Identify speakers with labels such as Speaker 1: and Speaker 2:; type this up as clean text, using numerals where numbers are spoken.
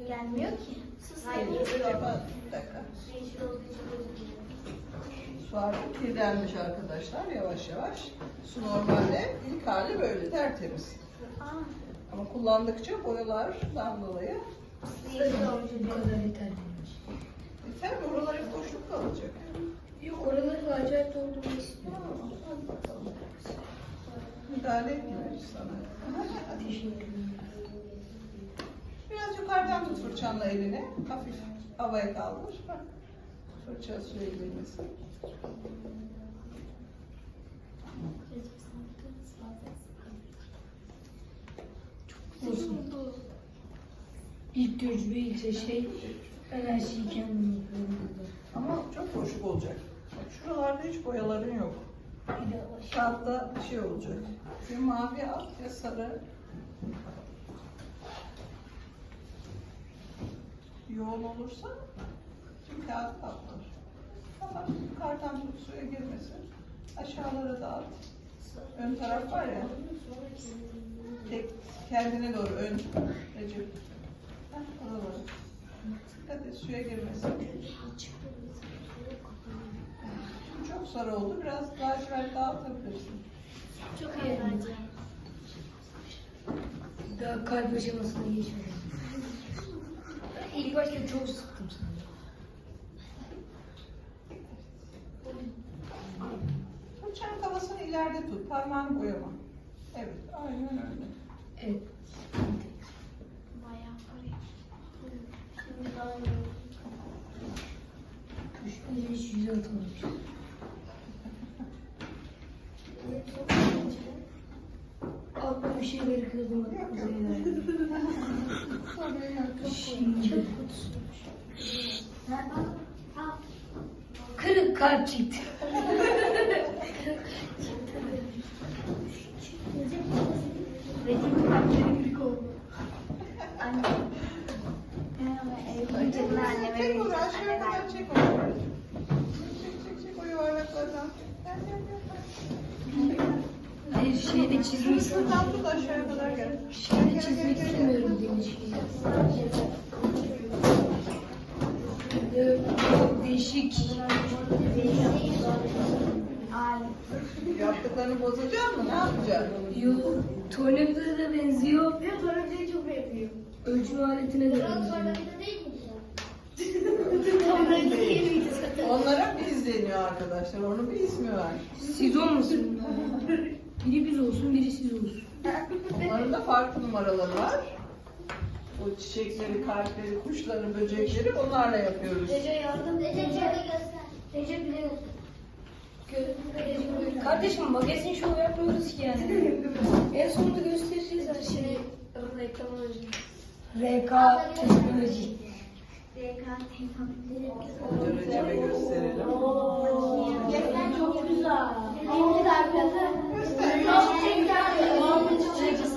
Speaker 1: Gelmiyor ki.
Speaker 2: Hayır, bir dakika.
Speaker 1: Yeşil olduğu için gözükmüyor.
Speaker 2: Su artık kirlenmiş arkadaşlar yavaş yavaş. Su normalde ilk hali böyle tertemiz. Ama kullandıkça boyalardan dolayı
Speaker 1: Yeşil olmuş.
Speaker 3: Bu kadar yeterliymiş.
Speaker 2: biter mi? Oralar hep boşluk kalacak.
Speaker 3: Yok, oraları acayip doldurmak istiyorum.
Speaker 2: Müdahale etmiyoruz sana. Biraz yukarıdan tut fırçanla elini. Hafif havaya kaldır. Bak. Fırça suya girmesin.
Speaker 3: Olsun. İlk tecrübe, ilk şey, ben her şeyi kendim yapıyorum burada.
Speaker 2: Ama çok boşluk olacak. Bak şuralarda hiç boyaların yok.
Speaker 3: Bir de
Speaker 2: Kağıtta bir şey olacak. Ya mavi al ya sarı. Yoğun olursa tüm kağıt patlar. Ama yukarıdan tut suya girmesin. Aşağılara dağıt. Ön taraf var ya. Tek kendine doğru ön. Recep. Oralara. Dikkat et suya girmesin. Çok sarı oldu. Biraz lacivert dağıtabilirsin.
Speaker 1: Çok iyi bence.
Speaker 3: daha kalp aşamasına geçmedim. Ben ilk başta çok sıktım sanırım.
Speaker 2: Fırçanın kafasını ileride tut. Parmağını boyama. Evet. Aynen öyle.
Speaker 3: Evet.
Speaker 1: Bayağı parayı. Şimdi daha iyi.
Speaker 3: Düşünce hiç yüze atamamış. Aklıma bir şeyleri kırdım. Aklıma Şimdi. Kırık kalp çıktı.
Speaker 1: Resim kalpleri kırık oldu. Anne. Öncelikle anneme
Speaker 2: Çek onu
Speaker 1: vereceğim.
Speaker 2: aşağıya kadar çek onu. Çek o yuvarlaklardan. Gel.
Speaker 3: Hayır, şeyde çizmek istemiyorum.
Speaker 2: Şuradan tut aşağıya kadar gel.
Speaker 3: Şeyde çizmek istemiyorum demiş. Çok değişik.
Speaker 1: Ay.
Speaker 2: Yaptıklarını bozacak mı? Ne yapacaksın?
Speaker 3: Yo, tornavida da benziyor.
Speaker 1: Bir tornavida çok benziyor.
Speaker 3: Ölçme aletine de benziyor.
Speaker 1: Tornavida değil mi? Tornavida değil miydi?
Speaker 2: Onlara biz deniyor arkadaşlar. Onun bir ismi var.
Speaker 3: Siz olmasın. Biri biz olsun, biri siz olsun.
Speaker 2: Onların da farklı numaraları var. O çiçekleri, kalpleri, kuşları, böcekleri onlarla yapıyoruz.
Speaker 1: Recep yardım. Recep göster. Recep bile
Speaker 3: Kardeşim magazin şov yapmıyoruz ki yani. En sonunda göstereceğiz her şeyi.
Speaker 1: reklam olacak.
Speaker 3: RK teknoloji.
Speaker 2: Önce Recep'e gösterelim.
Speaker 1: Gerçekten çok güzel. En güzel planı.